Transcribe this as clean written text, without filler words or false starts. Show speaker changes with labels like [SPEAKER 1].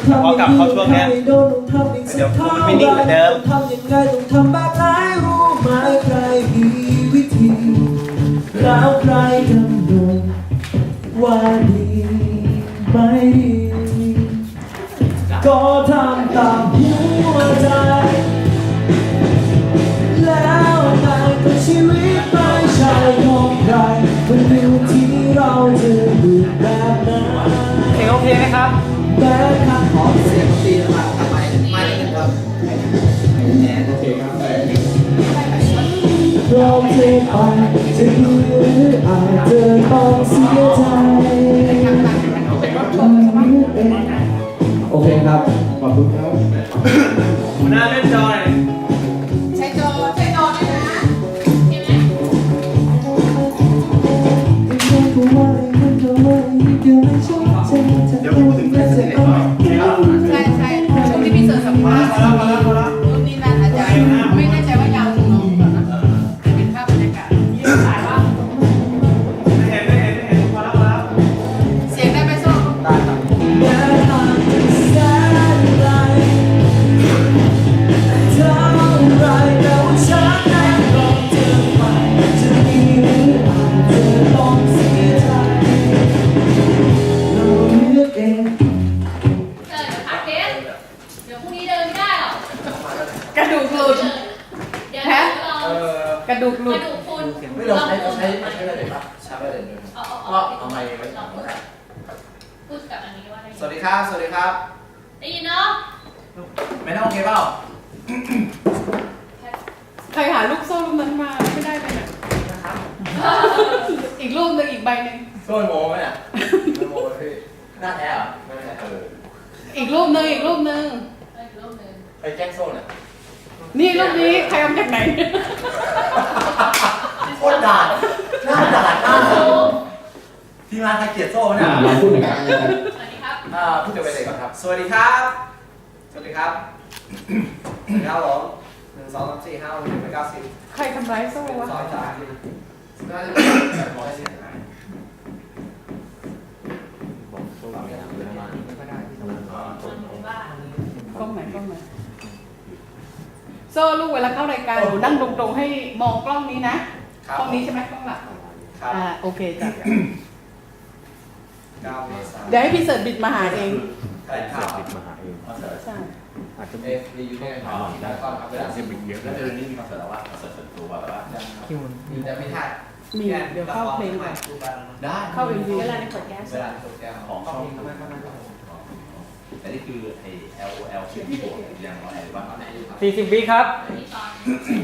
[SPEAKER 1] พอกลับเข้าช่วงเนี้ยเดี๋ยวพูดไม่นิ่งเหมือนเดิม
[SPEAKER 2] ทำยังไงต้องทำแบบไหนรู้ไหมใครมีวิธีแล้วใครกำหนดว่าดีไม่ดีก็ทำตามหัวใจแล้วนายก็ชีวิตไม่ใช่ของใครมันอยู่ที่เราจะอยู่แบบนั้น
[SPEAKER 1] โอเคไหมครับ
[SPEAKER 2] แม้ข้าขอเสียงตีนะครับทำไมไม่ครับโอเคครับพร้อมเทไปจะดีหรืออาจจะต้องเสียใจโอเคครับขอบคุณครับ
[SPEAKER 1] หัวหน้าเล่นจอย
[SPEAKER 3] ใช้จอด้วยนะเห็นไหม
[SPEAKER 1] เดี๋ยวพูดถึงเรื่องเสร็จก่อน
[SPEAKER 3] ใช่ใช่ช่วงที่พี่เสิร์ฟสัมภาษณ์รุ่นนี้น่าจะไม่แน่ใจว่ายาวถึงน้องก่อนนะเป็นภาพบรรยากาศถ่ายว่า
[SPEAKER 1] ไม่เห็นพอแล้ว
[SPEAKER 3] เสียงได้ไหมโซ่
[SPEAKER 1] ได้ครับ
[SPEAKER 3] กระดูกหลุดแฮะกระดูกหลุด
[SPEAKER 4] ไม่เราใช้อะไรเลยครับใช้อะไรเลยก็เอาไมค์ไว้ก่อน
[SPEAKER 5] พูดกับอันนี้ว่าได้
[SPEAKER 4] สวัสดีครับสวัสดีครับ
[SPEAKER 5] ได้ยินเนาะ
[SPEAKER 4] ไม่ต้องโอเคเปล่า
[SPEAKER 3] ใครหาลูกโซ่ลูกนั้นมาไม่ได้เลยเนี่ยอีกรูปหนึ่งอีกใบหนึ่ง
[SPEAKER 4] โซ่โมไหมเนี่ยโมพี่หน้าแท้เหรอไม่แท้
[SPEAKER 3] อีกรูปหนึ่งอีกรูปหนึ่ง
[SPEAKER 5] อีกรูปหนึ่ง
[SPEAKER 4] ไปแจ้งโซ่เนี่ย
[SPEAKER 3] นี่รูปนี้ใครเอามาจากไหน
[SPEAKER 4] โคตรด่าหน้าด่าหน้าทีมงานใครเกลียดโซ่เนี่ย
[SPEAKER 6] เราพูดถึงกัน
[SPEAKER 5] สวัสดีครับ
[SPEAKER 4] พูดถึงไปเลยก่อนครับสวัสดีครับสวัสดีครับสวัสดีครับผม1 2 3 4 5 6 7 8 9 10
[SPEAKER 3] ใครทำร้ายโซ่วะ
[SPEAKER 4] น่าจะเป็นร้อยเสียงบอกโซ่ไม่ได้ไม่ได้ที่ทำงาน
[SPEAKER 3] กล้องไหนกล้องไหนโซ่ลูกเวลาเข้ารายการหนูนั่งตรงๆให้มองกล้องนี้นะกล้องนี้ใช่ไหมกล้องหลักโอเคจ้ะเดี๋ยวให้พี่เสิร์ชบิดมาหาเอง
[SPEAKER 4] ใช่ครับ
[SPEAKER 6] ติดมาหาเอง
[SPEAKER 3] ใช่
[SPEAKER 6] อาจจะ
[SPEAKER 4] มีอยู่ในหอได้ก็ครับเวลา
[SPEAKER 6] จะบิดเยอะ
[SPEAKER 4] แล้วเดือนนี้มีคอนเสิร์ตแล้วว่าคอนเสิร์ตส่วนตัวแบบว่ามีแต่ไม่ถ่าย
[SPEAKER 3] มีเดี๋ยวเข้าเพลงก่อน
[SPEAKER 4] ได้
[SPEAKER 3] เข้า MV
[SPEAKER 5] เวลาในขวดแก๊ส
[SPEAKER 4] เวลาโปรแกรมของช่องแต่นี่คือไอ้ LOL ชื่อที่บวกอย่างไรบ้าง
[SPEAKER 1] 40 วิครับ
[SPEAKER 5] ที่ตอน